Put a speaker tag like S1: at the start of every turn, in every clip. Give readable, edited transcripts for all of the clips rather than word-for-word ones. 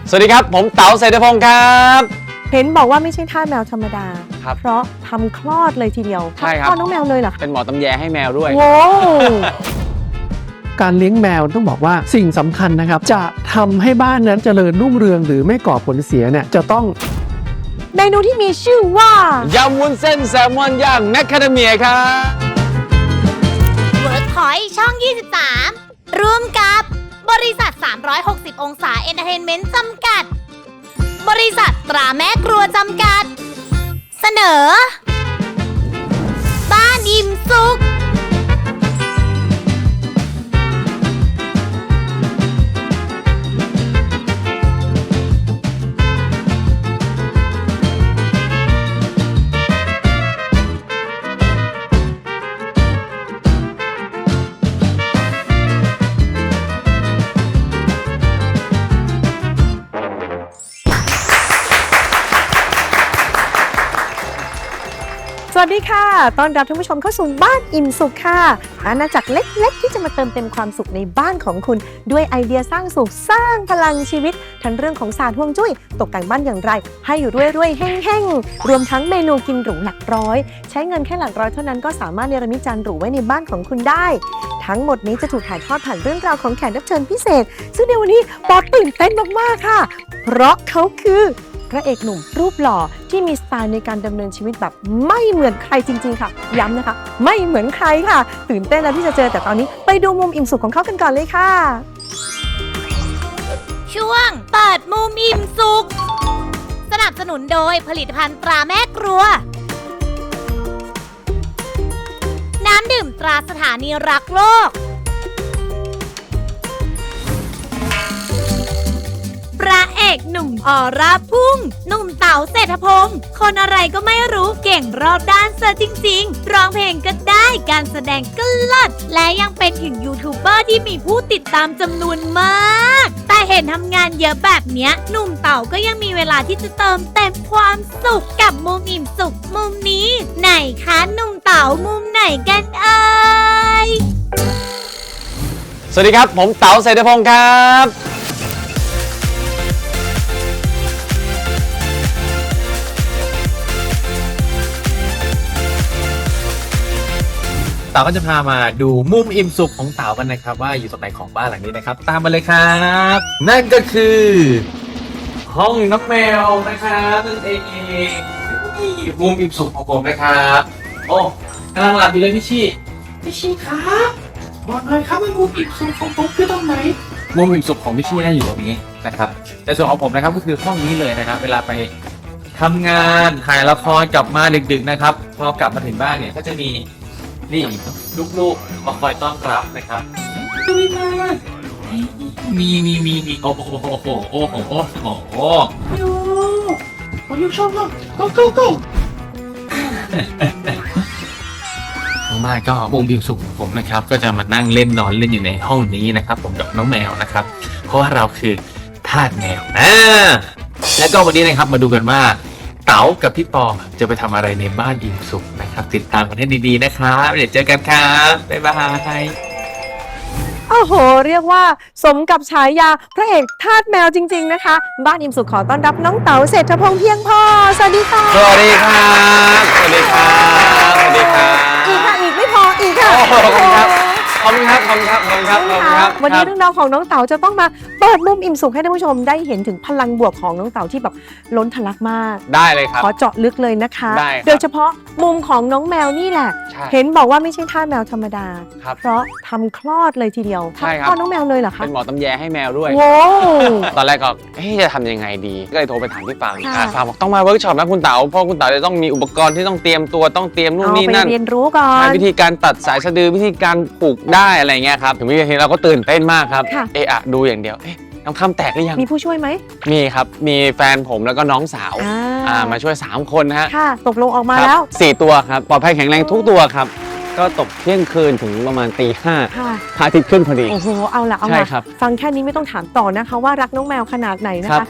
S1: สวัสดีครับผมเต๋าเศรษฐพงศ์ครับ
S2: เห็นบอกว่าไม่ใช่ทาสแมวธรรมดา
S1: ครับ
S2: เพราะทำคลอดเลยทีเดียว
S1: ใช่ครับ
S2: คลอดน้องแมวเลยเหรอ
S1: เป็นหมอตำแยให้แมวด้วย
S2: โว้
S3: การเลี้ยงแมวต้องบอกว่าสิ่งสำคัญนะครับจะทำให้บ้านนั้นเจริญรุ่งเรืองหรือไม่ก่อผลเสียเนี่ยจะต้อง
S2: เมนูที่มีชื่อว่าย
S1: ำวุ้นเส้นแซลมอนย่างแมคคาเดเมียครับ
S4: เวิร์กพอยต์ช่อง 23 ร่วมกับบริษัท 360 องศาเอนเตอร์เทนเมนต์จำกัด บริษัทตราแม่ครัวจำกัด เสนอ บ้านอิ่มสุข
S2: สวัสดีค่ะต้อนรับท่านผู้ชมเข้าสู่บ้านอิ่มสุขค่ะอาณาจักรเล็กๆที่จะมาเติมเต็มความสุขในบ้านของคุณด้วยไอเดียสร้างสุขสร้างพลังชีวิตทั้งเรื่องของศาสตร์ฮวงจุ้ยตกแต่งบ้านอย่างไรให้อยู่รวยๆแห้งๆรวมทั้งเมนูกินหรูหลักร้อยใช้เงินแค่หลักร้อยเท่านั้นก็สามารถเนรมิตจานหรูไว้ในบ้านของคุณได้ทั้งหมดนี้จะถูกถ่ายทอดผ่านเรื่องราวของแขกรับเชิญพิเศษซึ่งในวันนี้ปอตื่นเต้นมากๆค่ะเพราะเขาคือพระเอกหนุ่มรูปหล่อที่มีสไตล์ในการดำเนินชีวิตแบบไม่เหมือนใครจริงๆค่ะย้ำนะคะไม่เหมือนใครค่ะตื่นเต้นแล้วที่จะเจอแต่ตอนนี้ไปดูมุมอิ่มสุขของเขากันก่อนเลยค่ะ
S4: ช่วงเปิดมุมอิ่มสุขสนับสนุนโดยผลิตภัณฑ์ตราแม่ครัวน้ำดื่มตราสถานีรักโลกพระเอกหนุ่มออร่าพุ่งหนุ่มเต๋าเศรษฐพงศ์คนอะไรก็ไม่รู้เก่งรอบด้านซะจริงๆร้องเพลงก็ได้การแสดงก็เลิศและยังเป็นถึงยูทูบเบอร์ที่มีผู้ติดตามจำนวนมากแต่เห็นทำงานเยอะแบบเนี้ยหนุ่มเต๋าก็ยังมีเวลาที่จะเติมเต็มความสุขกับมุมอิ่มสุขมุมนี้ไหนคะหนุ่มเต๋ามุมไหนกันเอ่ย
S1: สวัสดีครับผมเต๋าเศรษฐพงศ์ครับ
S5: เต๋าก็จะพามาดูมุมอิ่มสุขของเต๋ากันนะครับว่าอยู่ตรงไหนของบ้านหลังนี้นะครับตามมาเลยครับนั่นก็คือ ห้องน้องแมวนะครับนั่นเองนี่มุมอิ่มสุขของผมนะครับโอ้กำลังหลับอยู่เลยพี่ชี่ครับบอกหน่อยครับว่ามุมอิ่มสุขของผมคือตรงไหนมุมอิ่มสุขของพี่ชี่น่าอยู่ตรงนี้นะครับแต่ส่วนของผมนะครับก็คือห้องนี้เลยนะครับเวลาไปทำงานถ่ายละครกลับมาดึกๆนะครับพอกลับมาถึงบ้านเนี่ยก็จะมีนี่ลูกๆมาคอยต้อนรับนะครับมีโอ้โหผมชอบมากgo มากก็มุมอิ่มสุขของผมนะครับก็จะมานั่งเล่นนอนเล่นอยู่ในห้องนี้นะครับผมกับน้องแมวนะครับเพราะว่าเราคือทาสแมวแล้วก็วันนี้นะครับมาดูกันว่าเต๋ากับพี่ปอจะไปทำอะไรในบ้านอิ่มสุขนะครับติดตามกันให้ดีๆนะครับเดี๋ยวเจอกันครับบ๊ายบาย
S2: โอ้โหเรียกว่าสมกับฉายาพระเอกทาสแมวจริงๆนะคะบ้านอิ่มสุขขอต้อนรับน้องเต๋าเศรษฐพงศ์เพียงพอสวัสดีค่ะ
S1: สวัสดีครับสวัสดีครับสวัสดีครับ
S2: อีกค่ะอีกไม่พออีกค่ะ
S1: ขอบคุณครับขอบคุณครับ
S2: วันนี้เรื่องราวของน้องเต๋าจะต้องมาเปิดมุมอิ่มสุขให้ท่านผู้ชมได้เห็นถึงพลังบวกของน้องเต๋าที่แบบล้นทะลักมาก
S1: ได้เลยครับ
S2: ขอเจาะลึกเลยนะคะ
S1: ได้โ
S2: ดยเฉพาะมุมของน้องแมวนี่แหละเห็นบอกว่าไม่ใช่ทาสแมวธรรมดาเพราะทำคลอดเลยทีเดียวคลอดน้องแมวเลยเหรอคะ
S1: เป็นหมอตำแยให้แมวด้วย
S2: โว้
S1: ตอนแรกก็จะทำยังไงดีก็เลยโทรไปถามพี่ฟางบอกต้องมาเวิร์กช็อปนะคุณเต๋าเพราะคุณเต๋าจะต้องมีอุปกรณ์ที่ต้องเตรียมตัวต้องเตรียมนู่นนี่นั่น
S2: ไปเรียนรู้ก่อน
S1: วิธีการตัดสายสะดือวิธีการปลูกได้อะไรเงี้ยครับถึงวิธีเราก็ตื่นเต้นมากครับดูอย่างเดียวน้ำคำแตกหรือยัง
S2: มีผู้ช่วยไหม
S1: มีครับมีแฟนผมแล้วก็น้องสาวมาช่วย3คนฮะ
S2: ค่ะตกลงออกมาแล้ว
S1: 4ตัวครับปลอดภัยแข็งแรงทุกตัวครับก็ตกเที่ยงคืนถึงประมาณตี 5พระอาทิตย์ขึ้นพอดี
S2: โอ้โหเอาละใช่ครับฟังแค่นี้ไม่ต้องถามต่อนะคะว่ารักน้องแมวขนาดไหนนะคะ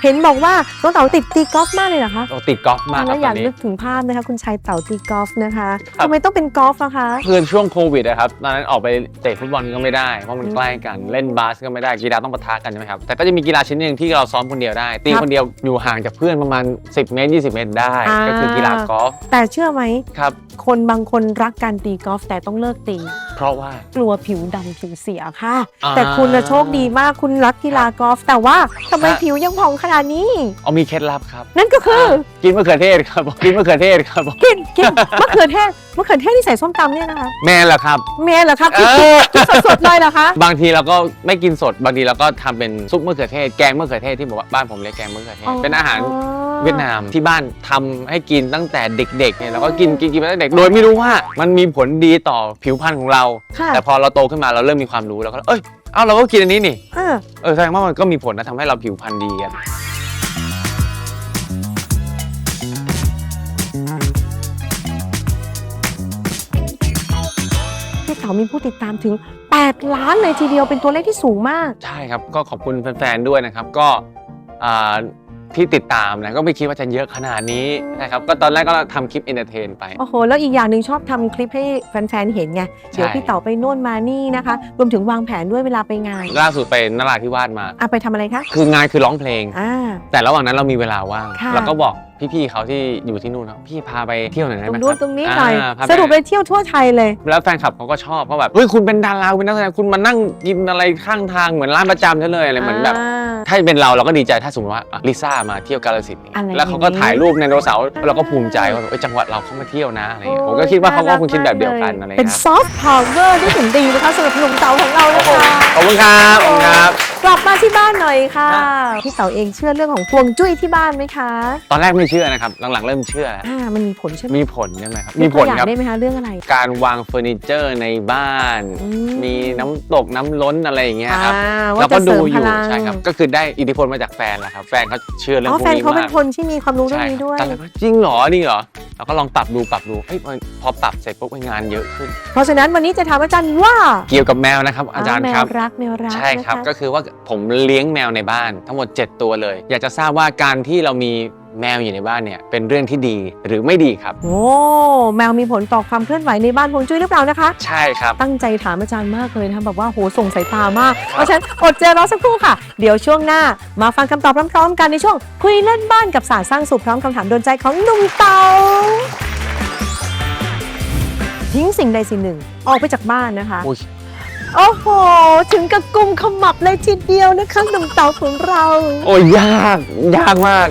S2: เห็นบอกว่าน้องเต๋าติดตีกอล์ฟมากเลยเหรอคะ
S1: เราติดกอล์ฟมากค
S2: แล้
S1: รับ
S2: วอ
S1: ต
S2: ยา
S1: อก นนี้
S2: นึกถึงภาพนะคะคุณชายเต๋าตีกอล์ฟนะคะ
S1: ครับ
S2: ทำไมต้องเป็นกอล์ฟอะคะ
S1: คือช่วงโควิดนะครับตอนนั้นออกไปเตะฟุตบอลก็ไม่ได้เพราะมันใกล้กันเล่นบาสก็ไม่ได้กีฬาต้องปะทะกันใช่ไหมครับแต่ก็จะมีกีฬาชนิดหนึ่งที่เราซ้อมคนเดียวได้ตีคนเดียวอยู่ห่างจากเพื่อนประมาณ10 เมตร 20 เมตรได้ก็คือกีฬากอล์ฟ
S2: แต่เชื่อไหม
S1: ครับ
S2: คนบางคนรักการตีกอล์ฟแต่ต้องเลิกตี
S1: เพราะว่า
S2: กลัวผิวดำผิวเสียค่ะ
S1: อ่า
S2: แต่คุณน่ะโชคดีมากคุณรักกีฬากอล์ฟแต่ว่าทำไม
S1: ครับ
S2: ผิวยังผ่องขนาดนี้
S1: เอามีเคล็ดลับครับ
S2: นั่นก็คือ
S1: กินมะเขือเทศครับกินมะเขือเทศครับ
S2: กินมะเขือเทศที่ใส่ส้มตำเนี่ยนะคะ
S1: แม่เหรอครับ
S2: เมย์เหรอคะกินสดๆเลยเหรอคะ
S1: บางทีเราก็ไม่กินสดบางทีเราก็ทำเป็นซุปมะเขือเทศแกงมะเขือเทศที่บอกว่าบ้านผมเรียกแกงมะเขือเทศเป็นอาหารเวียดนามที่บ้านทำให้กินตั้งแต่เด็กๆเนี่ยเราก็กินมาตั้งแต่เด็กโดยไม่รู้ว่ามันมีผลดีต่อผิวพรรณของเรา
S2: ค่ะ
S1: แต่พอเราโตขึ้นมาเราเริ่มมีความรู้แล้วก็เราก็กินอันนี้นี่
S2: อ่า
S1: แสดงว่ามันก็มีผลนะทำให้เราผิวพรรณดีกัน
S2: พี่เต๋ามีผู้ติดตามถึง 8 ล้านเลยทีเดียวเป็นตัวเลขที่สูงมาก
S1: ใช่ครับก็ขอบคุณแฟนๆด้วยนะครับก็อ่าที่ติดตามนะก็ไม่คิดว่าจะเยอะขนาดนี้นะครับก็ตอนแรกก็ทำคลิปเอนเตอร์เทนไป
S2: โอ้โห แล้วอีกอย่างหนึ่งชอบทำคลิปให้แฟนๆเห็นไง เดี๋ยวพี่เต๋าไปโน่นมานี่นะคะ รวมถึงวางแผนด้วยเวลาไปงาน
S1: ล่าสุดไปนราธิวาสมา
S2: ไปทำอะไรคะ
S1: คืองานคือร้องเพลง
S2: อ่า
S1: แต่ระหว่างนั้นเรามีเวลาว่าง
S2: ค่ะ
S1: เราก็บอกพี่ๆเขาที่อยู่ที่นู่นนะพี่พาไปเที่ยวหน่อยได้
S2: ตร
S1: ไหม
S2: ง
S1: ค
S2: นู้
S1: รั
S2: น
S1: บ
S2: ตรงนี้หน่อย
S1: พา
S2: สรุปไปเที่ยวทั่วไทยเลย
S1: แล้วแฟนคลับเขาก็ชอบเพราะแบบเฮ้ยคุณเป็นดาราคุณเป็นนักแสดงคุณมานั่งกินอะไรข้างทางเหมือนร้านประจำใช่เลยอะไรเหมือนแบบ ถ้าเป็นเราก็ดีใจถ้าสมมติว่าลิซ่ามาเที่ยวกาฬสินธุ์
S2: อะไร
S1: แล้วเขาก็ถ่ายรูปไดโนเสาร์เราก็ภูมิใจว่าแบบจังหวัดเราเขามาเที่ยวนะอะไรเงี้ยผมก็คิดว่าเขาก็คงคิดแบบเดียวกันอะไร
S2: เป็น
S1: เงี้ย
S2: ซอฟต์พาวเวอร์ที่ถึงดีนะคะสำหรับหนุ่มเต๋าของเรา
S1: โอ้
S2: นะ
S1: โห
S2: คะ
S1: ขอบคุณครับขอบคุณครับ
S2: กลับมาที่บ้านหน่อยค่ะพี่เต๋าเองเชื่อเรื่องของฮวงจุ้ยที่บ้านไหมคะ
S1: ตอนแรกไม่เชื่อนะครับหลังๆเริ่มเชื่อแล้ว
S2: มันมีผลใช่ไหม
S1: มีผลใช่ไหมครับมีผล
S2: ยกตัวอย่า
S1: ครับ
S2: งได้ไหมคะเรื่องอะไร
S1: การวางเฟอร์นิเจอร์ในบ้าน มีน้ำตกน้ำล้นอะไรอย่างเงี้ยครับ
S2: ว่า
S1: เรา
S2: จะ
S1: ก็
S2: เส
S1: ดู
S2: ริม
S1: อ
S2: พ
S1: ยู่
S2: ลัง
S1: ใช่ครับก็คือได้อิทธิพลมาจากแฟนแหละครับแฟนเขาเชื่อเรื่องพวก
S2: แฟน
S1: นี้
S2: เขาเป็น
S1: มาก
S2: คนที่มีความรู้เรื่องนี้ด้วย
S1: ตอนแรกว่าจริงเหรอนี่เหรอเราก็ลองปรับดูเฮ้ยพอปรับเสร็จปุ๊บงานเยอะขึ้น
S2: เพราะฉะนั้นวันนี้จะถามอาจารย์ว่า
S1: เกี่ยวกับแมวนะครับอาจารย์ครับ
S2: แมวรัก
S1: ใช่ครับ
S2: นะะ
S1: ก็คือว่าผมเลี้ยงแมวในบ้านทั้งหมด 7 ตัวเลย อยากจะทราบว่าการที่เรามีแมวอยู่ในบ้านเนี่ยเป็นเรื่องที่ดีหรือไม่ดีครับ
S2: โอ้แมวมีผลต่อความเคลื่อนไหวในบ้านฮวงจุ้ยหรือเปล่านะคะ
S1: ใช่ครับ
S2: ตั้งใจถามอาจารย์มากเลยนะคะแบบว่าโหส่งสายตามาก เพราะฉะนั้นอดใจรอสักครู่ค่ะ เดี๋ยวช่วงหน้ามาฟังคำตอบพร้อมๆกันในช่วงคุยเล่นบ้านกับศาสตร์สร้างสุขพร้อมคำถามโดนใจของหนุ่มเต๋าทิ้งสิ่งใดสิ่งหนึ่งออกไปจากบ้านนะคะ
S1: อุ๊ย
S2: โอ้โห ถึงกับกุมขมับเลยทีเดียวนะคะหนุ่มเต๋าของเรา
S1: โอ้ยยากมาก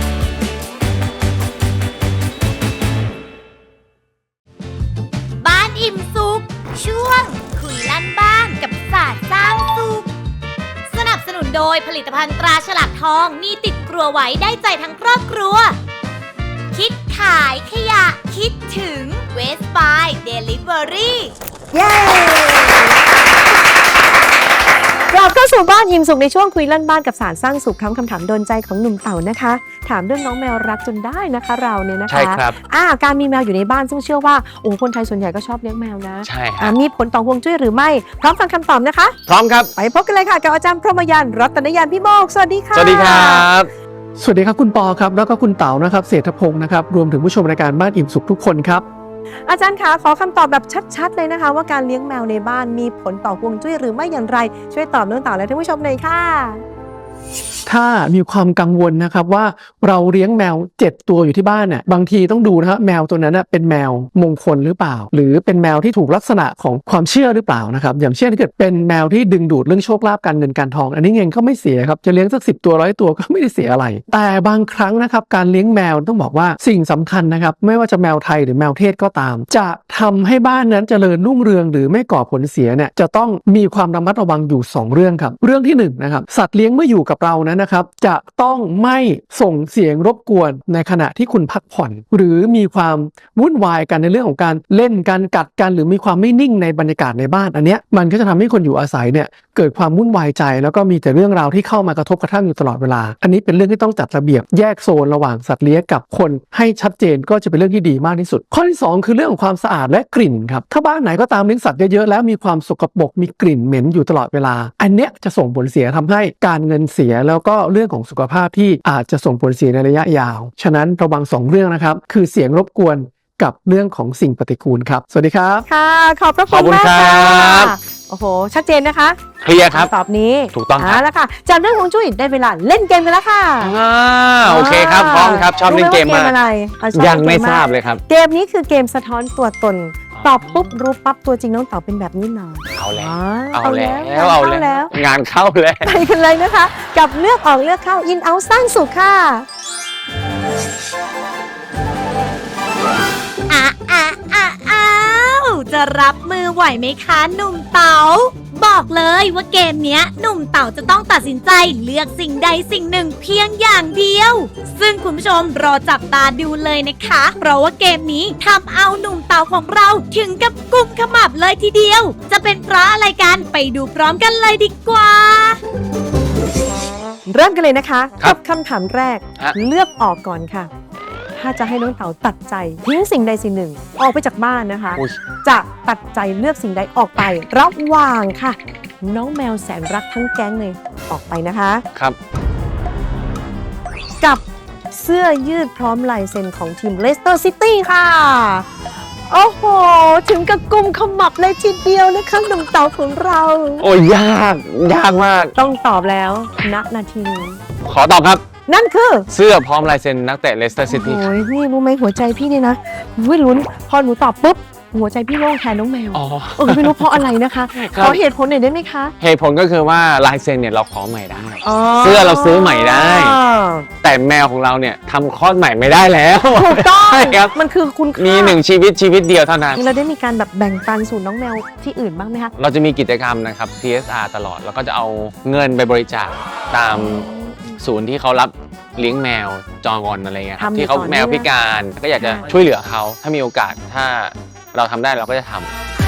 S4: บ้านอิ่มสุขช่วงคุยลั่นบ้านกับศาสตร์สร้างสุขสนับสนุนโดยผลิตภัณฑ์ตราฉลากทองมีติดครัวไว้ได้ใจทั้งครอบครัว คิดขายขยะคิดถึงเวสบายเดลิเวอรี่
S2: เย้กลับเข้าสู่บ้านอิ่มสุขในช่วงคุยลั่นบ้านกับศาสตร์สร้างสุขพร้อมคำถามโดนใจของหนุ่มเต๋านะคะ ถามเรื่องน้องแมวรักจนได้นะคะเราเนี่ยนะคะ
S1: ใช่ครับ
S2: การมีแมวอยู่ในบ้านซึ่งเชื่อว่าโอ้คนไทยส่วนใหญ่ก็ชอบเลี้ยงแมวนะ
S1: ใช่ครับ
S2: มีผลต่อฮวงจุ้ยหรือไม่พร้อมฟังคำตอบนะคะ
S1: พร้อมครับ
S2: ไปพบกันเลยค่ะกับอาจารย์พรหมยานรัตนยานพี่โมกสวัสดีค่ะ
S1: สวัสดีครับ
S3: สวัสดีครับคุณปอครับแล้วก็คุณเต๋านะครับเศรษฐพงศ์นะครับรวมถึงผู้ชมรายการบ้านอิ่มสุขทุกคนครับ
S2: อาจารย์คะขอคำตอบแบบชัดๆเลยนะคะ ว่าการเลี้ยงแมวในบ้านมีผลต่อฮวงจุ้ยหรือไม่อย่างไรช่วยตอบน้องเต๋าและท่านผู้ชมหน่อยค่ะ
S3: ถ้ามีความกังวลนะครับว่าเราเลี้ยงแมว7ตัวอยู่ที่บ้านเนี่ยบางทีต้องดูนะฮะแมวตัวนั้นนะเป็นแมวมงคลหรือเปล่า หรือเป็นแมวที่ถูกลักษณะของความเชื่อหรือเปล่านะครับอย่างเช่นถ้าเกิดเป็นแมวที่ดึงดูดเรื่องโชคลาภการเงินการทอง อันนี้เงินก็ไม่เสียครับจะเลี้ยงสัก10 ตัว100 ตัวก็ไม่ได้เสียอะไร แต่บางครั้งนะครับการเลี้ยงแมวต้องบอกว่าสิ่งสำคัญนะครับไม่ว่าจะแมวไทยหรือแมวเทศก็ตาม จะทำให้บ้านนั้นเจริญรุ่งเรืองหรือไม่ก่อผลเสียเนี่ยจะต้องมีความระมัดระวังอยู่2เรื่องครับเรื่องที่1นะครับสัตว์เลี้ยงเมื่ออยู่กับเรานั้นนะครับจะต้องไม่ส่งเสียงรบกวนในขณะที่คุณพักผ่อนหรือมีความวุ่นวายกันในเรื่องของการเล่นการกัดกันหรือมีความไม่นิ่งในบรรยากาศในบ้านอันเนี้ยมันก็จะทำให้คนอยู่อาศัยเนี่ยเกิดความวุ่นวายใจแล้วก็มีแต่เรื่องราวที่เข้ามากระทบกระทั่งอยู่ตลอดเวลาอันนี้เป็นเรื่องที่ต้องจัดระเบียบแยกโซนระหว่างสัตว์เลี้ยงกับคนให้ชัดเจนก็จะเป็นเรื่องที่ดีมากที่สุดข้อที่2คือเรื่องของความสะอาดและกลิ่นครับถ้าบ้านไหนก็ตามเลี้ยงสัตว์เยอะๆแล้วมีความสกปรกมีกลิ่นเหม็นอยู่ตลอดเวลาอันเนี้ยจะส่งผลเสียทำให้การเงินเสียสียแล้วก็เรื่องของสุขภาพที่อาจจะส่งผลเสียในระยะยาวฉะนั้นระวัง2เรื่องนะครับคือเสียงรบกวนกับเรื่องของสิ่งปฏิกูลครับสวัสดีครับ
S2: ค่ะ ขอบพระ
S1: ขอบ
S2: คุณ
S1: คุณ
S2: มาก
S1: ครั
S2: ค่ะ
S1: บ
S2: โอ้โห ชัดเจนนะคะ
S1: เคลียร์ครับ
S2: คำตอบนี้
S1: ถูกต้องครับ
S2: แล้วค่ะ จากเรื่องของจุ้ยได้เวลาเล่นเกมกันแล้วค่ะ
S1: โอเคครับพร้อมครับชอบเล่นเกม
S2: รู้ไห
S1: มาก
S2: อะไรชอบ
S1: ยังไม่
S2: เล่นก
S1: ทราบเลยครับ
S2: เกมนี้คือเกมสะท้อนตัวตน ตอบปุ๊บรู้ปั๊บตัวจริงน้องเต๋าเป็นแบบนี้หนา
S1: เอาแล้ว
S2: เอา
S1: เอาแล้ว
S2: เอา
S1: เอา
S2: แล้
S1: แล้ว วงานเข้าแล้ว
S2: ไปกันเลยนะคะ กับเลือกออกเลือกเข้าอินเอาสร้างสุขค่ะ
S4: อ้าวจะรับมือไหวไหมคะหนุ่มเต๋าบอกเลยว่าเกมเนี้ยหนุ่มเต๋าจะต้องตัดสินใจเลือกสิ่งใดสิ่งหนึ่งเพียงอย่างเดียว ซึ่งคุณผู้ชมรอจับตาดูเลยนะคะ เพราะว่าเกมนี้ทำเอาหนุ่มเต๋าของเราถึงกับกุมขมับเลยทีเดียว จะเป็นเพราะอะไรกันไปดูพร้อมกันเลยดีกว่า
S2: เริ่มกันเลยนะคะ
S1: ครั
S2: กับ คำถามแรก
S1: ฮะ
S2: เลือกออกก่อนค่ะ ถ้าจะให้น้องเต๋าตัดใจทิ้งสิ่งใดสิ่งหนึ่ง ออกไปจากบ้านนะคะ
S1: อุ๊ย
S2: จะตัดใจเลือกสิ่งใดออกไประหว่างค่ะ น้องแมวแสนรักทั้งแก๊งเลยออกไปนะคะ
S1: ครับ
S2: กับเสื้อยืดพร้อมลายเซ็นของทีมเลสเตอร์ซิตี้ค่ะ โอ้โห ถึงกับกุมขมับเลยทีเดียวนะคะหนุ่มเต๋าของเรา
S1: โอ้ยยากมาก
S2: ต้องตอบแล้วณนาทีนี้
S1: ขอตอบครับ
S2: นั่นคือ
S1: เสื้อพร้อมลายเซ็นนักเตะเลสเตอร์ซิตี้
S2: โอ้ยพี่รู้ไหมหัวใจพี่เนี่ยนะวิลุ้นพอหนูตอบปุ๊บหัวใจพี่โล่งแทนน้องแมว
S1: อ๋อ
S2: ไม่รู้เพราะอะไรนะคะ
S1: ครับ
S2: ขอเหตุผลหน่อยได้ไหมคะ
S1: เหตุผลก็คือว่าลายเซ็นเนี่ยเราขอใหม่ได้
S2: อ๋อ
S1: เสื้อเราซื้อใหม่ได้ แต่แมวของเราเนี่ยทำคลอดใหม่ไม่ได้แล้ว
S2: ถูกต้อง
S1: ใช่ครับ
S2: มันคือคุณค่า
S1: มีหนึ่งชีวิตเดียวเท่านั้น
S2: เราได้มีการแบบแบ่งปันสู่น้องแมวที่อื่นบ้างไหมคะ
S1: เราจะมีกิจกรรมนะครับ CSR ตลอด แล้วก็จะเอาเงินไปบริจาคตามศูนย์ที่เขารับเลี้ยงแมวจองอนอะไรเงี้ยครับ
S2: ทำอยู่
S1: ที่เขา
S2: ต่อเนื่อง
S1: แมวพิการก็อยากจะ
S2: ใช่
S1: ช่วยเหลือเขาถ้ามีโอกาสถ้าเราทำได้เราก็จะทำ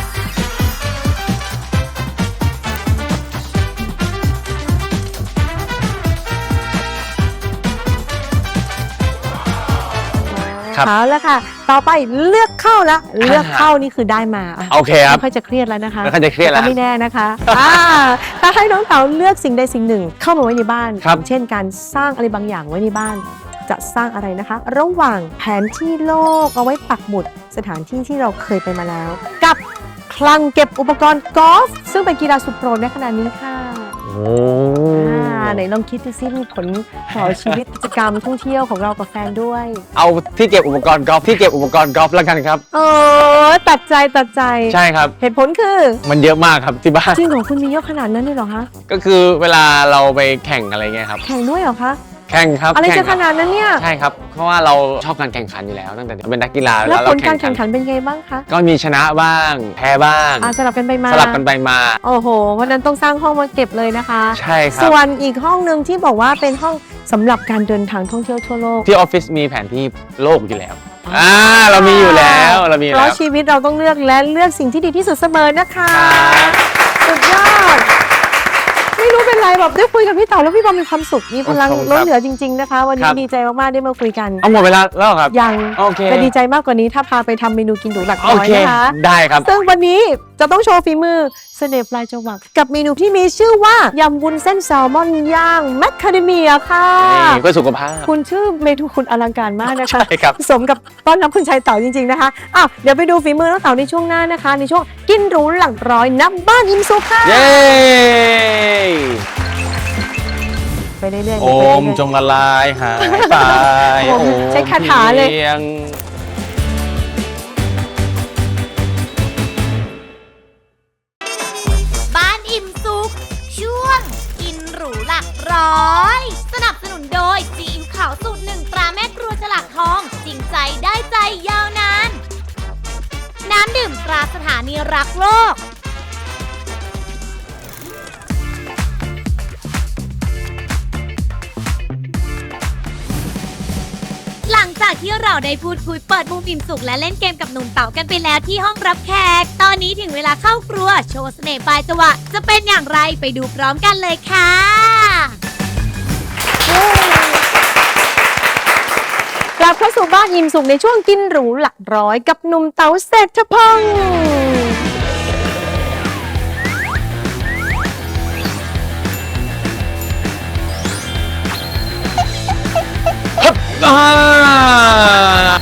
S1: ครับ
S2: เอาแล้วค่ะ ต่อไปเลือกเข้าละเลือกเข้านี่คือได้มาอ่ะ
S1: โอเคครับ
S2: ไม่ค่อยจะเครียดแล้วนะคะ
S1: ไม่ค่อยจะเครียดแล้ว
S2: ต่ก็ไม่แน่นะคะถ้าให้น้องเต๋าเลือกสิ่งใดสิ่งหนึ่ง เข้ามาไว้ในบ้าน
S1: ครับ
S2: อย่างเช่นการสร้างอะไรบางอย่างไว้ในบ้าน จะสร้างอะไรนะคะ ระหว่างแผนที่โลกเอาไว้ปักหมุดสถานที่ที่เราเคยไปมาแล้ว กับคลังเก็บอุปกรณ์กอล์ฟซึ่งเป็นกีฬาสุดโปรดในขณะนี้ค่ะ
S1: โอ้
S2: ไหนลองคิดดูซิมีผลต่อชีวิตกิจกรรมท่องเที่ยวของเรากับแฟนด้วย
S1: เอาที่เก็บอุปกรณ์กอล์ฟที่เก็บอุปกรณ์กอล์ฟแล้วกันครับ
S2: ตัดใจ
S1: ใช่ครับ
S2: เหตุผลคือ
S1: มันเยอะมากครับที่บ้าน
S2: จริงเหรอคุณมีเยอะขนาดนั้นเลยเหรอคะ
S1: ก็คือเวลาเราไปแข่งอะไรเงี้ยครับ
S2: แข่งด้วยเหรอคะ
S1: แข่งครับ
S2: อะไร
S1: แข่
S2: จะ
S1: ง
S2: ข
S1: ครับ
S2: นาดนั้นเนี่ย
S1: ใช่ครับ เพราะว่าเราชอบการแข่งขันอยู่แล้วตั้งแต่เป็นนักกีฬา
S2: แล้วผ
S1: เรา
S2: ลการแข่งขันเป็นไงบ้างคะ
S1: ก็มีชนะบ้างแพ้บ้าง
S2: สลับกันไปมา
S1: สลับกันไปมา
S2: โอ้โหวันนั้นต้องสร้างห้องมาเก็บเลยนะคะ
S1: ใช่ครับ
S2: ส่วนอีกห้องหนึ่งที่บอกว่าเป็นห้องสำหรับการเดินทางท่องเที่ยวทั่วโลก
S1: ที่ออฟฟิศมีแผนที่โลกอยู่แล้วเรามีอยู่แล้วเรามีอยู่
S2: เพ
S1: แล้
S2: ราะ
S1: ว
S2: ชีวิตเราต้องเลือกและเลือกสิ่งที่ดีที่สุดเสมอนะคะ
S1: ครับ
S2: สุดยอด ไม่รู้เป็นไรแบบได้คุยกับพี่เต๋าแล้วพี่บอมมีความสุขมีพลัง
S1: ขอบคุณครับ
S2: ล้นเหลือจริง ๆนะคะ วัน
S1: ค
S2: นี้
S1: รับ
S2: ดีใจมากๆได้มาคุยกัน
S1: เอาหมดเวลาแล้วเหรอครับ
S2: ยัง
S1: โอเค
S2: จะดีใจมากกว่านี้ถ้าพาไปทำเมนูกินหรูหลัก
S1: โอ
S2: ร้อย
S1: เค
S2: นะคะ
S1: ได้ครับ
S2: ซึ่งวันนี้จะต้องโชว์ฝีมือเสน่ห์ปลายจวักกับเมนูที่มีชื่อว่ายำวุ้นเส้นแซลมอนย่างแมคคาเดเมียค่ะ
S1: นี่เพื่อสุขภาพ
S2: คุณชื่อเมนูคุณอลังการมากนะคะ
S1: ใช่ครับ
S2: สมกับต้อนรับคุณชายเต๋าจริงๆนะคะอ้าวเดี๋ยวไปดูฝีมือน้องเต๋าในช่วงหน้านะคะ ในช่วงกินหรูหลักร้อยนับบ้านอิ่มสุขค่ะ
S1: เย้
S2: ไปเรื่อยๆ
S1: โอ
S2: ไปเรื่อย
S1: ม
S2: ๆ
S1: จงละลายหายไป
S2: โอมใช้คาถาเลย
S1: พีง
S4: บ้านอิ่มสุขช่วงกินหรูหลักร้อย สนับสนุนโดยซีอิ๊วขาวสูตรหนึ่งตราแม่ครัวฉลากทอง จริงใจได้ใจยาวนาน น้ำดื่มตราสถานีรักโลก หลังจากที่เราได้พูดคุยเปิดมุมอิ่มสุขและเล่นเกมกับหนุ่มเต๋ากันไปแล้วที่ห้องรับแขก ตอนนี้ถึงเวลาเข้าครัวโชว์เสน่ห์ปลายจวักจะเป็นอย่างไรไปดูพร้อมกันเลยค่ะ
S2: กลับเข้าสู่บ้านอิ่มสุขในช่วงกินหรูหลักร้อยกับหนุ่มเต๋าเศรษฐพงศ์
S1: อ่า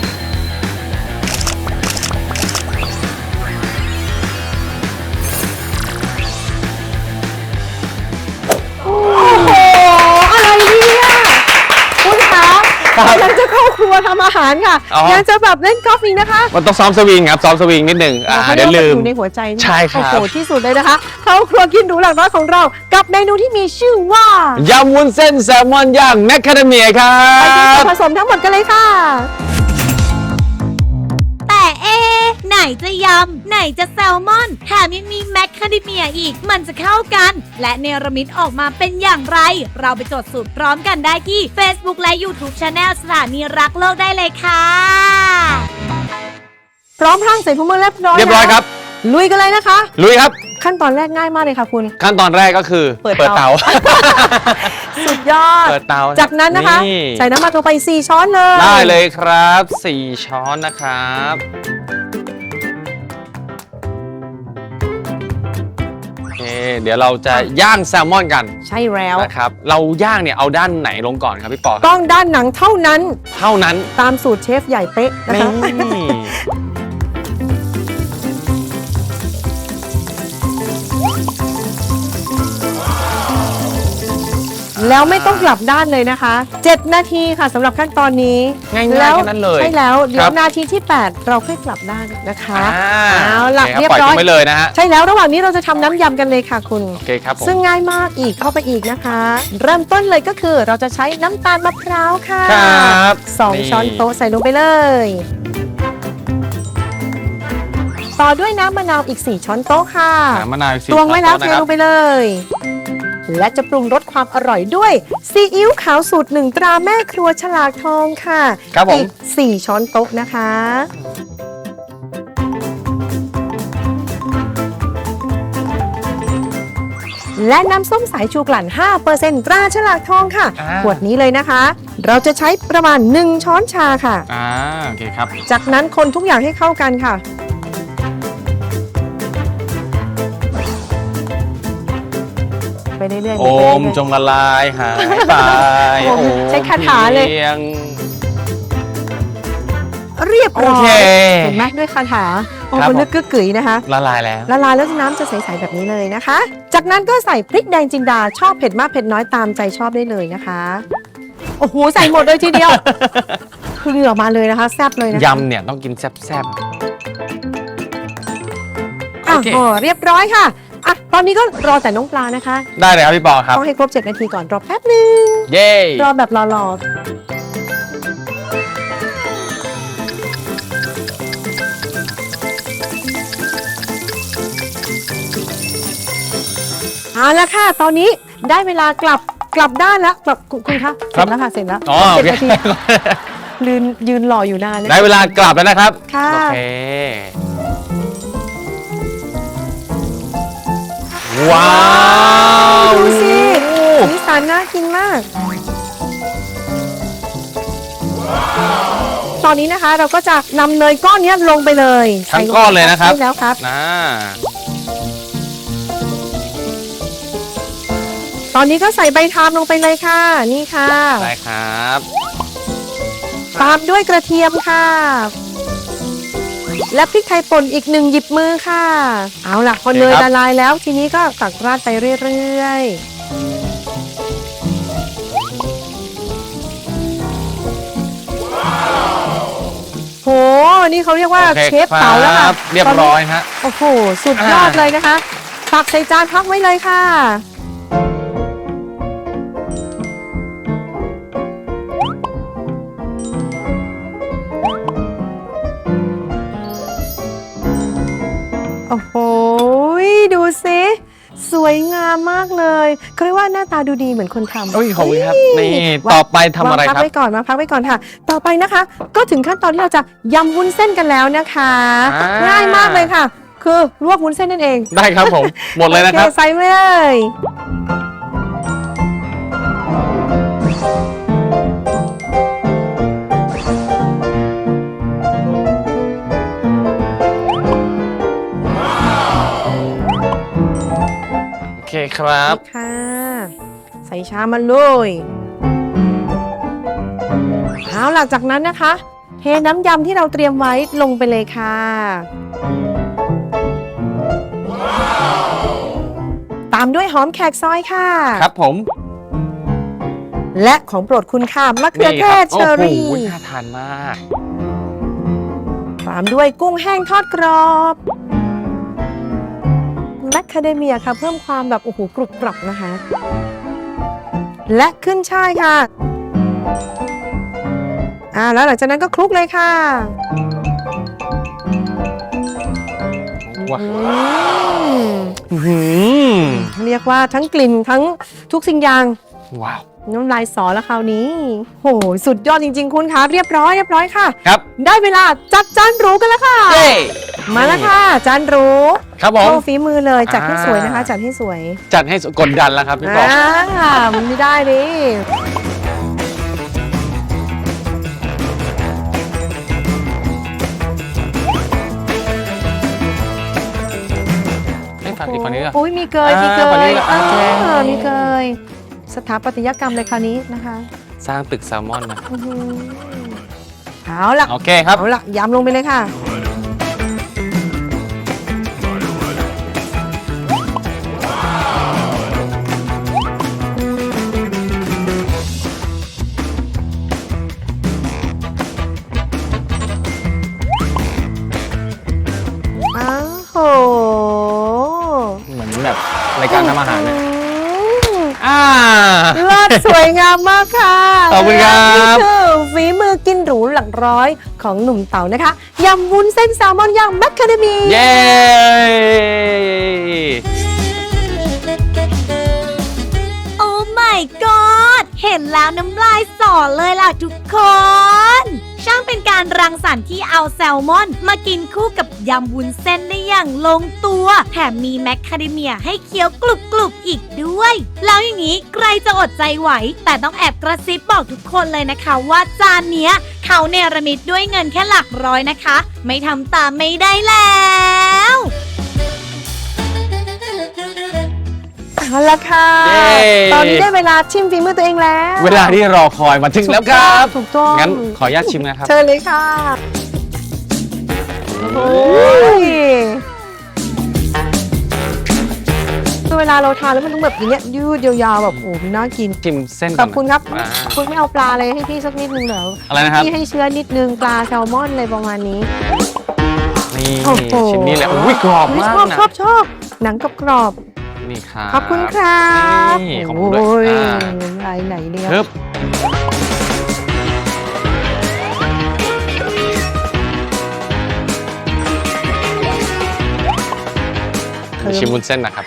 S2: โอ้โห อะไรเนี่ยคุณคะกำลังจะเข้าครัวทำอาหารค่ะ
S1: อ๋อ
S2: ยังจะแบบเล่นกอล์ฟอีกนะคะ
S1: มันต้องซ้อมสวิงครับซ้อมสวิงนิดหนึ่ง
S2: เขา
S1: เดี๋ยวลืม
S2: อยู่ในหัวใจนี่
S1: ใช่ครับ
S2: โอ้โหที่สุดเลยนะคะ เข้าครัวกินหรูหลักร้อยของเรา กับเมนูที่มีชื่อว่าย
S1: ำวุ้นเส้นแซลมอนย่างแมคคาเดเมียครั
S2: ไปดูส่ว
S1: บ
S2: นผสมทั้งหมดกันเลยค่ะ
S4: แต่ไหนจะยำ ไหนจะแซลมอน แถมยังมีแมคคาเดเมียอีก มันจะเข้ากัน และเนรมิตออกมาเป็นอย่างไร เราไปจดสูตรพร้อมกันได้ที่ Facebook และ YouTube Channel สถานีรักโลกได้เลยค่ะ
S2: พร้อมพรั่งใส่ถุงมือเรียบร้อย
S1: เรียบร้อยครับ
S2: ลุยกันเลยนะคะ
S1: ลุยครับ
S2: ขั้นตอนแรกง่ายมากเลยค่ะคุณ
S1: ขั้นตอนแรกก็คือ
S2: เปิดเตา สุดยอด
S1: เปิดเตา
S2: จากนั้นนะคะ ใส่น้ำมันลงไป 4 ช้อนเลย
S1: ได้เลยครับ 4 ช้อนนะครับโอเคเดี๋ยวเราจะย่างแซลมอนกัน
S2: ใช่แล้ว
S1: นะครับเราย่างเนี่ยเอาด้านไหนลงก่อนครับพี่ปอครับ
S2: ต้องด้านหนังเท่านั้น
S1: เท่านั้น
S2: ตามสูตรเชฟใหญ่เป๊ะนะ
S1: นี่
S2: คะ แล้วไม่ต้องกลับด้านเลยนะคะ 7 นาทีค่ะสำหรับขั้นตอนนี้
S1: ง่ายๆแค่นั้นเลย
S2: ใช่แล้วเดี๋ย
S1: ครั
S2: ว
S1: บ
S2: นาทีที่ 8 เราค่อยกลับด้านนะคะ เอาล่ะ
S1: โคค
S2: เรียบ
S1: ปล่อย
S2: ร้อย
S1: ทิ้งไว้เลยนะฮะ
S2: ใช่แล้วระหว่างนี้เราจะทำน้ำยำกันเลยค่ะคุณ
S1: โอเคครับผม
S2: ซึ่งง่ายมากอีกเข้าไปอีกนะคะ เริ่มต้นเลยก็คือเราจะใช้น้ำตาลมะพร้าวค่ะ
S1: ครับ
S2: 2 ช้อนโต๊ะใส่ลงไปเลย ต่อด้วยน้ำมะนาวอีก 4 ช้อนโต๊ะค่ะ
S1: มะนาวอีก
S2: ตวงไว้แล้ว
S1: ช้
S2: เท
S1: อน
S2: ล
S1: โต๊ะ
S2: งไปเลย และจะปรุงรสความอร่อยด้วยซีอิ๊วขาวสูตร 1 ตราแม่ครัวฉลากทองค่ะ
S1: ครับผม
S2: อีก 4 ช้อนโต๊ะนะคะ และน้ำส้มสายชูกลั่น 5% ตราฉลากทองค่ะ ขวดนี้เลยนะคะ เราจะใช้ประมาณ 1 ช้อนชาค่ะ
S1: โอเคครับ
S2: จากนั้นคนทุกอย่างให้เข้ากันค่ะ ไปเรื่อยๆ
S1: โอมจงละลายหายไป
S2: โอมใช้คาถาเลย
S1: พีง
S2: เรียบร้อ
S1: โอเค
S2: ยเห็นไหมด้วยคาถาโอ้
S1: ครับ
S2: มัน
S1: ผม
S2: นึกกึกกึ๋ยนะคะ
S1: ละลายแล้ว
S2: ละลายแล้วน้ำจะใสๆแบบนี้เลยนะคะ จากนั้นก็ใส่พริกแดงจินดาชอบเผ็ดมากเผ็ดน้อยตามใจชอบได้เลยนะคะ โอ้โหใส่หมดเลยทีเดียว คือเหงื่อมาเลยนะคะแซ่บเลยนะคะ
S1: ยำเนี่ยต้องกินแซ่บ
S2: อ่ะ
S1: โอเค
S2: โอ้เรียบร้อยค่ะอ่ะตอนนี้ก็รอแต่น้องปลานะคะ
S1: ๆได้เลยครับพี่ปอครับ
S2: ต้องให้ครบ 7 นาทีก่อนรอแป๊บนึง
S1: เย้
S2: รอแบบรอๆเอาละค่ะ ตอนนี้ได้เวลากลับด้านแล้วกลับคุณคะเสร็จแล้วค่ะเสร็จแล้ว
S1: อ๋อโอ
S2: เจ็ด
S1: เค
S2: นาทียืนรออยู่นานนะ
S1: ได้เวลากลับแล้วนะครับ
S2: ค่ะ
S1: โอเคว้าว
S2: ดูสิสีสันน่ากินมาก ตอนนี้นะคะเราก็จะนำเนยก้อนนี้ลงไปเลย
S1: ทั้งก้อนเลยนะครับ
S2: ใช่แล้วครับ ตอนนี้ก็ใส่ใบทามลงไปเลยค่ะ นี่ค่ะ
S1: ได้ครับ
S2: ตามด้วยกระเทียมค่ะ และพริกไทยป่นอีก1 หยิบมือค่ะ เอาล่ะพอเนยละลายแล้วทีนี้ก็ตักราดไปเรื่อยๆ โห นี่เขาเรียกว่า
S1: โอ
S2: เชฟเต๋าแล้วค่ะ
S1: รับเรียบร้อยฮะ
S2: โอ้โห สุดยอดเลยนะคะ ตักใส่จานพักไว้เลยค่ะ โอ้โห ดูสิสวยงามมากเลยเขาเรียกว่าหน้าตาดูดีเหมือนคนทำ
S1: โอ้ยขอบคุณครับ
S2: เฮ้ย
S1: นี่
S2: วาง
S1: ต่อไปทำอะไร
S2: วางพัก
S1: ครับ
S2: ไว้ก่อนพักไว้ก่อนค่ะ ต่อไปนะคะ ก็ถึงขั้นตอนที่เราจะยำวุ้นเส้นกันแล้วนะคะ ง่ายมากเลยค่ะ คือลวกวุ้นเส้นนั่นเอง
S1: ได้ครับผม หมดเลยนะครับ
S2: โอใส่เลย
S1: โอเคครับ
S2: ค่ะ ใส่ชามมาเลย เอเอาหลังจากนั้นนะคะเทน้ำยำที่เราเตรียมไว้ลงไปเลยค่ะตามด้วยหอมแขกซอยค่ะ
S1: ครับผม
S2: และของโปรดคุณค่ะมะเขือเทศเชอรี่
S1: โอ้โหน่าทานมาก
S2: ตามด้วยกุ้งแห้งทอดกรอบแมคคาเดเมียค่ะเพิ่มความแบบโอ้โหกรุบกรับนะคะ และขึ้นช่ายค่ะแล้วหลังจากนั้นก็คลุกเลยค่ะ
S1: ว้าว
S2: เรียกว่าทั้งกลิ่นทั้งทุกสิ่งอย่าง
S1: ว้าว
S2: น้ำลายสอแล้วคราวนี้โหสุดยอดจริงๆคุณคะเรียบร้อยค่ะ
S1: ครับ
S2: ได้เวลาจัดจานหรูกันแล้วค่ะ
S1: เย้
S2: มาแล้วค่ะจานหรู
S1: ครับผม
S2: โชว์ฝีมือเลยจัดให้สวยนะคะจัดให้สวย
S1: จัดให้กดดันแล้วครับพี่ปอ
S2: มันไม่ได้ดิ
S1: ไม่ฝากอีกคนนี้ก็
S2: อุ้ยมีเกย
S1: อ่า
S2: มีเก
S1: คนนี้
S2: ย
S1: ก็อ่า
S2: มีเกยสถาปัตยกรรมเลยคราวนี้นะคะ
S1: สร้างตึกแซลมอนนะ
S2: อื้อหือเอาล่ะ
S1: โอเคครับ
S2: เอาล่ะยำลงไปเลยค่ะ อ้าวโห
S1: เหมือนแบบรายการทำอาหารเนี่ย
S2: เลิศสวยงามมากค่ะ
S1: ขอบคุณครับ
S2: นี่คือฝีมือกินหรูหลักร้อยของหนุ่มเต๋านะคะยำวุ้นเส้นแซลมอนย่างแมคคาเดเมีย
S1: เย้
S4: โอ้ my god เห็นแล้วน้ำลายสอเลยล่ะทุกคน ช่างเป็นการรังสรรค์ที่เอาแซลมอนมากินคู่กับยำวุ้นเส้นได้อย่างลงตัว แถมมีแมคคาเดเมียให้เคี้ยวกรุบๆอีกด้วย แล้วอย่างนี้ใครจะอดใจไหว แต่ต้องแอบกระซิบบอกทุกคนเลยนะคะว่าจานเนี้ยเขาเนรมิตด้วยเงินแค่หลักร้อยนะคะ ไม่ทำตามไม่ได้แล้ว
S2: เอาละค่ะ
S1: เย้
S2: ตอนนี้ได้เวลาชิมฝีมือตัวเองแล้ว
S1: เวลาที่รอคอยมาถึงแล้วครับ
S2: ถูกต้อง
S1: งั้นขออนุญาตชิมนะครับ
S2: เชิญเลยค่ะโอ้ยคือเวลาเราทานแล้วมันต้องแบบอย่างเงี้ยยืดยาวๆแบบโอ้โหน่ากิน
S1: ชิมเส้น
S2: ข
S1: ก่
S2: อน บคุณครับ
S1: อ่า
S2: คุณไม่เอาปลาอะไรให้พี่สักนิดนึงเหรอ
S1: อะไรนะครับ
S2: พี่ให้เชื้อนิดนึงปลาแซลมอนอะไรประมาณนี้
S1: นี่
S2: โอ้โห
S1: ชิ้นนี้แหละอุ้ยกรอบมากนะ
S2: ชอบหนังกรอบ
S1: นี่ครับ
S2: ๆขอบคุณครับ
S1: นี่ขอบคุณด้วย
S2: โอ้ย
S1: อ่า
S2: ลายไหนเนี่ย
S1: ครับชิมวุ้นเส้นนะครับ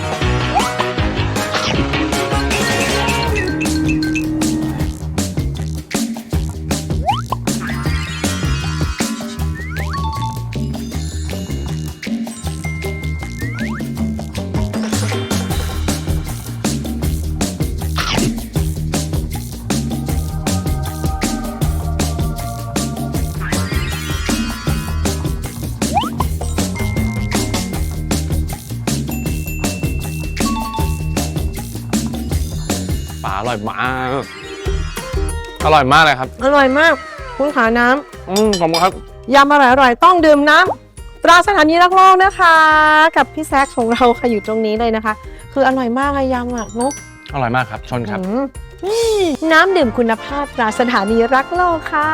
S1: ปลาอร่อยมาก อร่อยมากเลยครับ
S2: อร่อยมาก คุณขาน้
S1: ขอบคุณครับ
S2: ำยำอร่อยๆต้องดื่มน้ำตราสถานีรักโลกนะคะ กับพี่แซคของเราค่ะอยู่ตรงนี้เลยนะคะ คืออร่อยมากอะยำอะนุ๊ก
S1: อร่อยมากครับ ชนครับ
S2: น้ำดื่มคุณภาพตราสถานีรักโลกค่ะ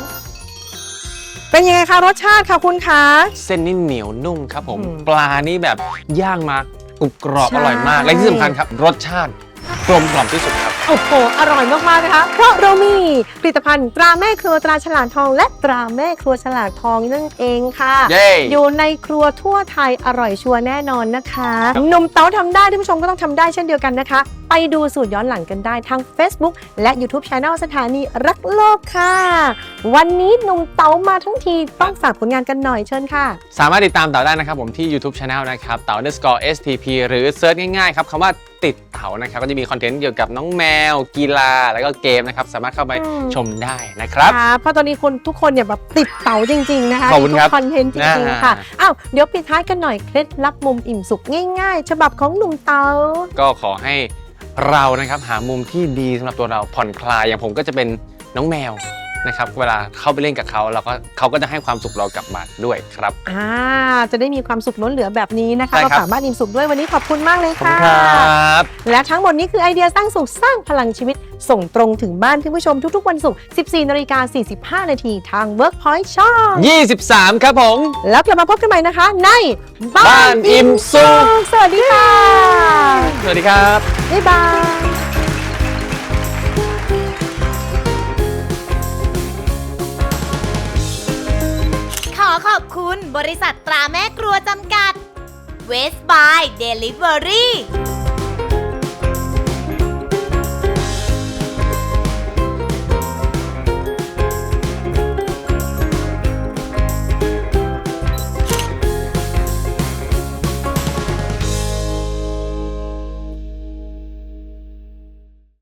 S2: เป็นยังไงคะรสชาติค่ะคุณคะ
S1: เส้นนี่เหนียวนุ่มครับผม
S2: อืม
S1: ปลานี่แบบย่างมากรุบกรอบ
S2: ใช่
S1: อร่อยมาก และที่สำคัญครับ รสชาติกลมกล่อมที่สุดครับ
S2: โอ้โห อร่อยมากๆนะคะ เพราะเรามีผลิตภัณฑ์ตราแม่ครัวตราฉลาดทอง และตราแม่ครัวฉลาดทองนั่นเองค่ะ
S1: เย้
S2: อยู่ในครัวทั่วไทยอร่อยชัวร์แน่นอนนะคะหนุ่มเต๋าทำได้ท่านผู้ชมก็ต้องทำได้เช่นเดียวกันนะคะ ไปดูสูตรย้อนหลังกันได้ทาง Facebook และ YouTube Channel สถานีรักโลกค่ะ วันนี้หนุ่มเต๋ามาทั้งทีต้องฝากผลงานกันหน่อยเชิญค่ะ
S1: สามารถติดตามเต่าได้นะครับผมที่ YouTube Channel นะครับเต่า _STP หรือเซิร์ชง่ายๆครับคำว่าติดเต่านะครับก็จะมีคอนเทนต์เกี่ยวกับน้องแมว กีฬาแล้วก็เกมนะครับสามารถเข้าไป
S2: อืม
S1: ชมได้นะครับ
S2: ค่ะเพราะตอนนี้คนทุกคนเนี่ยแบบติดเต๋าจริงๆนะคะ
S1: ขอบคุณครับ
S2: ทุกคอนเทนต์จริงๆค่ะ
S1: อ่า
S2: อ้าวเดี๋ยวปิดท้ายกันหน่อยเคล็ดลับมุมอิ่มสุขง่ายๆ ฉบับของหนุ่มเต๋า
S1: ก็ขอให้เรานะครับหามุมที่ดีสำหรับตัวเราผ่อนคลายอย่างผมก็จะเป็นน้องแมวนะครับเวลาเข้าไปเล่นกับเขาเขาก็จะให้ความสุขเรากลับบ้านด้วยครับ
S2: จะได้มีความสุขล้นเหลือแบบนี้นะคะ
S1: ใช่
S2: มา
S1: ครับ
S2: ฝากบ้านอิ่มสุขด้วยวันนี้ขอบคุณมากเลย
S1: ขอบคุ
S2: ค่ะ
S1: ณครับ
S2: และทั้งหมดนี้คือไอเดียสร้างสุขสร้างพลังชีวิต ส่งตรงถึงบ้านคุณผู้ชมทุกๆวันศุกร์ 14:45 น.ทาง Workpoint ช่อง
S1: 23 ครับผม
S2: แล้วกลับมาพบกันใหม่นะคะ ใน
S1: บ้านอิ่มสุข
S2: สวัสดีค่ะ
S1: สวัสดีครับ
S2: บ๊ายบาย
S4: ขอขอบคุณบริษัทตราแม่ครัวจำกัด West by Delivery